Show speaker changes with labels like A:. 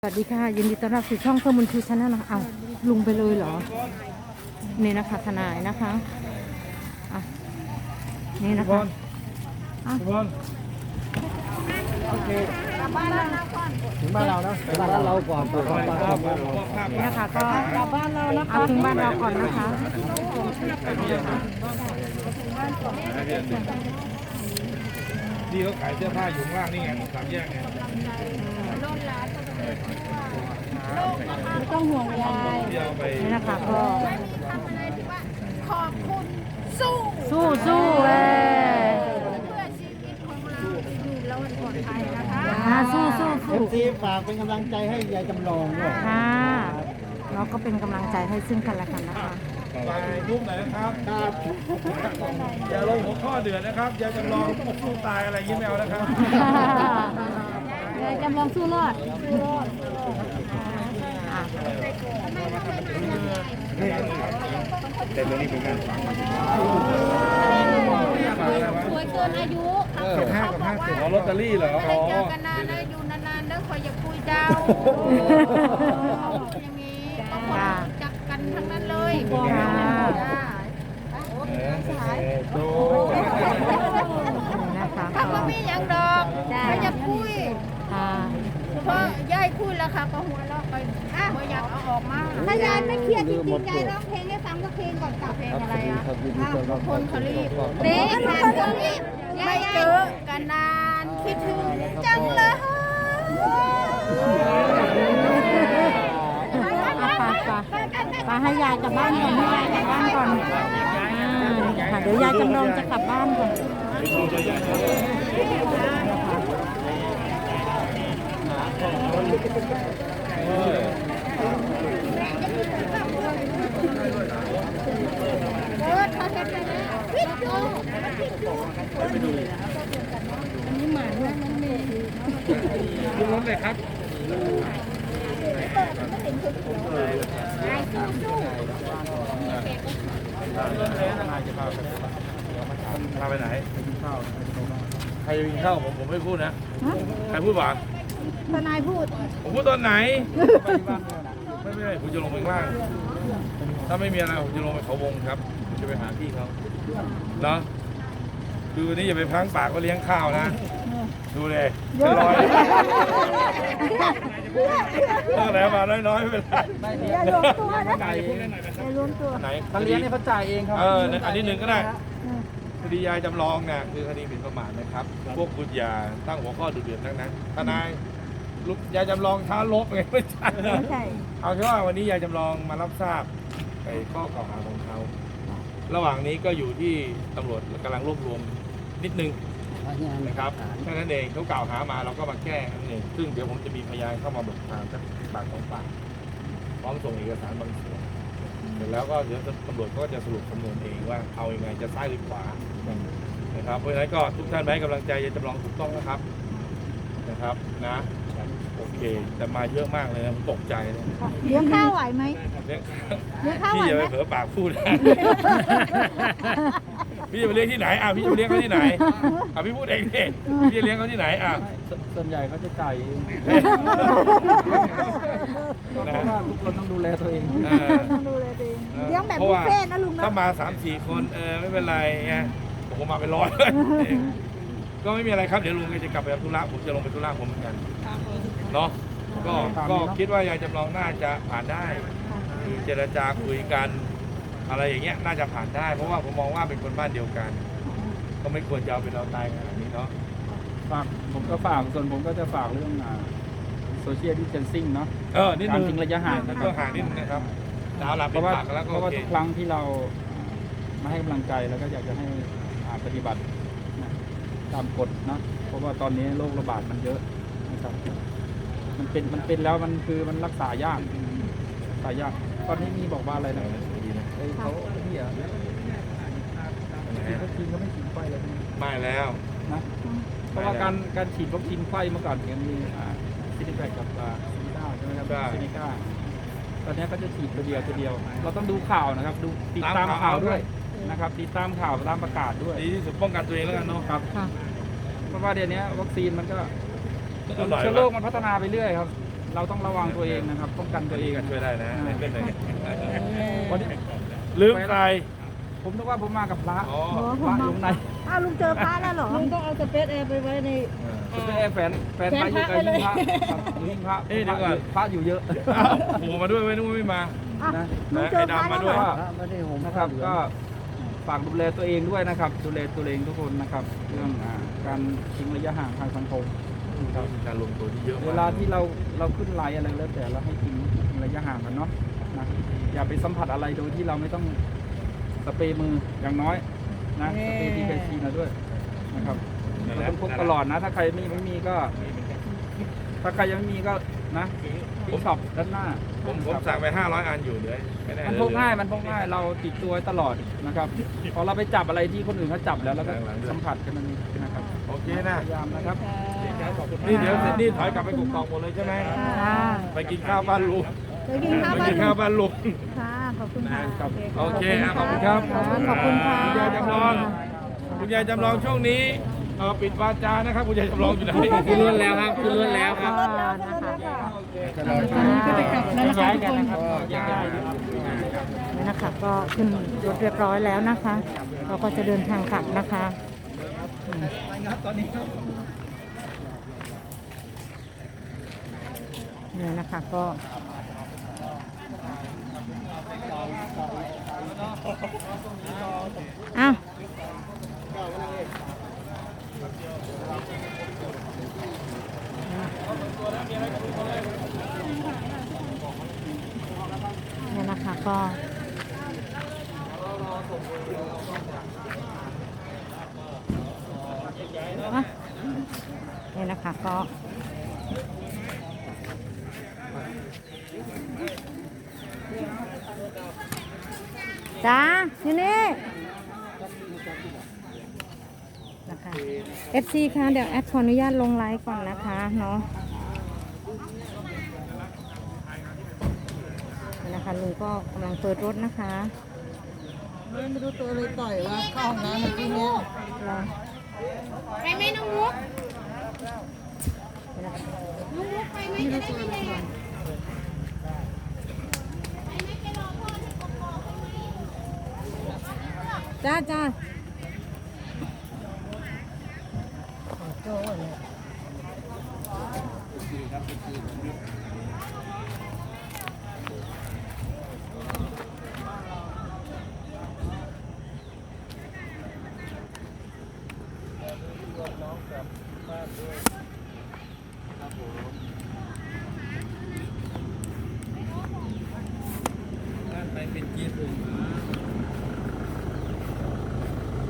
A: สวัสดีค่ะยินดีต้อนรับสู่ช่องเพื่อมุนทูชาแนลนะคะเอาลุงไปเลยเหรอนี่นะคะทนายนะคะอ่ะนี่นะคะอ่ะ
B: โอเคถึงบ้านเรานะถึงบ้านเราก่อน
A: นี่นะคะก็กลับบ้านเรานะคะถึงบ้านเราก่อนนะคะ
C: นี่เขาขายเสื้อผ้าอยู่ข้างล่างนี่ไงสามแยกไง
A: ไม่ต้องห่วงยาย
C: ที่เอาไป
A: นี่นะคะก็
D: ขอบคุณสู้
A: สู้เว้ย
D: เพื่อชีวิตของเราอยู่แล้วมันปลอดภัยนะคะ
A: สู้
B: ซีฝากเป็นกำลังใจให้ยายจำลองด้วย
A: ค่ะเราก็เป็นกำลังใจให้ซึ่งกันและกันนะคะ
C: ไปรูปไหนนะครับอย่าลงหัวข้อเดือดนะครับอย่าจำลองสู้ตายอะไรยิ้มแมวนะครับ
A: ยายจำลองสู้รอดอ่ะ
C: เต็มนี้เป็นการฟัง
D: สวยเกินอายุ
C: เขาบอกว่าอ๋อลอตเตอรี่เหรอ
D: ไม่
C: อ๋อ
D: ได้เจอกันนานได้อยู่นานๆเด้อคอยอย่าคุยเจ้าอย่างนี้ต้องจักกันทั้งนั้นเลยจ้า
C: ดู
A: นะคะ
D: ถ้าว่ามีอย่างดอกก็อย่าคุย
A: ค่ะ
D: เพราะยายคุยแล้วค่ะก็หัวเราะไปไม่อยากเอาออกมาถ้ายายไม่เครียดจริงๆยายร้องเพลงให้ฟังสักเพลงก่อนกลับเพลงอะไรอ่ะคนเขารีบเด็กคนรีบไม่เจอกันนานคิดถึงจังเลย
A: ไปให้ยายกลับบ้านก่อนให้ยายกลับบ้านก่อนค่ะเดี๋ยวยายจำลองจะกลับบ้านก่อน
C: ดูรถเลยครับพาไปไหนใครจะกินข้าวผมไม่พูดนะใครพูดบ้าง
D: ทนายพูด
C: ผมพูดตอนไหนไม่ได้ผมจะลงไปข้างล่างถ้าไม่มีอะไรผมจะลงไปเขาวงครับผมจะไปหาพี่เขาเนาะคือวันนี้อย่าไปพังปากก็เลี้ยงข้าวนะดูเลยเป็นร้อยตั้งแต่มาน้อยๆไม่เป็นไร
B: อย่ารวมตัวนะไหน
C: ไหน
B: ถ้าเลี้ยงเนี่ยเขาจ่ายเองครับ
C: อันนี้หนึ่งก็ได้คดียายจำลองเนี่ยคือคดีหมิ่นประมาทนะครับพวกคุณอย่าตั้งหัวข้อดุเดือดทั้งนั้นทนายลูกยายจำลองท้าลบไงไม่ใช่เอาแค่ว่าวันนี้ยายจำลองมารับทราบไอ้ข้อกล่าวหาของเขาระหว่างนี้ก็อยู่ที่ตำรวจกำลังรวบรวมนิดนึงนะครับแค่นั้นเองเขากล่าวหามาเราก็มาแก้นั่นเองซึ่งเดี๋ยวผมจะมีพยานเข้ามาเบิกความสักปากของปากพร้อมส่งเอกสารบางส่วนเสร็จแล้วก็เดี๋ยวตำรวจก็จะสรุปสำนวนเองว่าเอายังไงจะซ้ายหรือขวานะครับเพราะฉะนั้นก็ทุกท่านไปให้กำลังใจยายจำลองถูกต้องนะครับนะโอเคแต่มาเยอะมากเลยนะผมตกใจเลย
D: เลี้ยงข้าวไหวไหม
C: เลี้ยง
D: เลี้ยงข้าวไหว
C: พี่อย่า
D: ไห
C: ไป
D: ม
C: เผลอปากพูดนะพี่จะไปเลี้ยงที่ไหนพี่จะไปเลี้ยงเขาที่ไหนพี่พูดเองดิพี่จะเลี้ยงเขาที่ไหน
B: ส่วนใหญ่เขาจะจ่ายเองเพ
C: นะ
B: ราะว่าทุกคนต้องดูแลตัวเอง
D: ต้องดูเลยดีเลี้ยงแบบบุฟเฟ่ต์นะลุงนะ
C: ถ้ามา 3-4 คนไม่เป็นไรไงผมมาเป็นร้อยก็ไม่มีอะไรครับเดี๋ยวลุงจะกลับไปทำธุระผมจะลงไปธุระผมเหมือนกันเนาะก็คิดว่ายายจำลองน่าจะผ่านได้คือเจรจาคุยกันอะไรอย่างเงี้ยน่าจะผ่านได้เพราะว่าผมมองว่าเป็นคนบ้านเดียวกัน ก็ไม่ควรจะเอาเป็นเราตายขนาดนี้เนาะ
B: ฝากผมก็ฝากส่วนผมก็จะฝากเรื่องโซเชียลดิสเทนซิ่งเนาะ
C: นิด
B: การ
C: นึง
B: ทิ้งระยะห่างนะครั
C: ต้
B: บ
C: องห่างนิดนึงนะครับดาวหลับ
B: เพ
C: เป็น
B: ราะว่า
C: ปากกันแล้วก็
B: เพราะ
C: โอ
B: ว่า
C: เค
B: ทุกครั้งที่เรามาให้กำลังใจแล้วก็อยากจะให้ปฏิบัติตามกฎนะเพราะว่าตอนนี้โรคระบาดมันเยอะนะครับมันเป็นแล้วมันคือมันรักษายากตอนนี้มีบอกว่าอะไรนะเขาที่ฉีดวัคซีนก็ไม่ฉีดไฟเลย
C: ไม่แล้ว
B: นะเพราะว่าการฉีดวัคซีนไฟเมื่อก่อนเนี่ยมีซินิแวคกับซินิก้าใช่ไหมครับซินิก้าตอนนี้ก็จะฉีดตัวเดียวเราต้องดูข่าวนะครับดูติดตามข่าวด้วยนะครับติดตามข่าวตามประกาศด้วย
C: ดีที่สุดป้องกันตัวเองแล้วกันเนาะ
B: ครับ
A: ค่ะ
B: เพราะว่าเดี๋ยวนี้วัคซีนมันก็
C: อร่อย
B: เชื้อโรคมันพัฒนาไปเรื่อยครับเราต้องระวังตัวเองนะครับป้องกันตัวเอง
C: ก็ช่วยได้นะไม่เป็นไร
B: วันนี้
C: ลืมใคร
B: ผมนึกว่าผมมากับพระ
C: อ๋อ
B: พระอยู่ไหน
D: อ้าวลุงเจอพระแล้วเหรอ
A: ลุงต้องเอาสเปซแอร์ไปไว้ใน
B: คุณแม่แฟนพระอยู่กับยิงพระครับยิงพระ
C: เอ้ยเดี๋ยวก่อน
B: พระอยู่เยอะ
C: โผล่มาด้วยไม่นึกว่าไม่มา
B: นะ
D: ลุงเจอพระแล้วเหรอ
B: นะครับก็ฝากดูแลตัวเองด้วยนะครับ ดูแลตัวเองทุกคนนะครับ เรื่องการทิ้งระยะห่างทางสังคมครับ
C: การลงตัวที่เยอะมาก
B: เวลาที่เราขึ้นไลน์อะไรแล้วแต่เราให้ทิ้งระยะห่างกันเนาะนะอย่าไปสัมผัสอะไรโดยที่เราไม่ต้องสเปรย์มืออย่างน้อยนะสเปรย์ที่เคยชินนะด้วยนะครับเราต้องพกตลอดนะ ถ้าใครไม่มีก็ ถ้าใครยังไม่มีก็นะที่ช็อปด้านหน้า
C: ผมสั่งไป500 อันอยู่เลยไม่ได้
B: มันพกง่ายมันพกง่ายเราติดตัวไว้ตลอดนะครับพอเราไปจับอะไรที่คนอื่นเขาจับแล้วก็สัมผัสกันนั่นเองนะครับ
C: โอเคนะ
B: พยายามนะครับ
C: นี่เดี๋ยวเสร็จนี่ถอยกลับไปกกอกหมดเลยใช่ไหม
D: ค่ะ
C: ไปกินข้าวบ้านลุง
D: ไปกินข้าว
C: ไป
D: บ้าน
C: กินข้าวบ้านลุง
D: ค่ะ ขอบคุณค่ะ
C: โอเคขอบคุณครับ
D: ขอบคุณค่ะ
C: คุณยายจำลองคุณยายจำลองช่วงนี้ปิดวาจานะครับคุณยายจำลองอยู่ไหน
B: ขึ้นรถแล้วครับขึ้นรถแล้วครับ
A: ก็จะกลับแล้วนะคะทุกคน
B: ย้าย
A: นี่นะคะก็ขึ้นรถเรียบร้อยแล้วนะคะ เราก็จะเดินทางกลับนะคะเนี่ยนะคะก็อ้าวเนี่ยนะคะก็เนี่ยนะคะก็จ้าอยู่นี่นะคะ FC ค่ะเดี๋ยวแอดขออนุญาตลงไลฟ์ก่อนนะคะเนาะนี่นะคะลุงก็กำลังเปิดรถนะคะ
E: ไม่รู้ตัวเลยต่อยว่าเข้าห้องน้ำเมื่อกี้เนี้ย
D: ไปไหมน้องมุก
A: นี่นะคะ
D: น้องมุกไปไหมจะได้ไม่แดง
A: จ้าจ้า
E: โจ้เนี่ย
B: ไปเป็นจี๊ด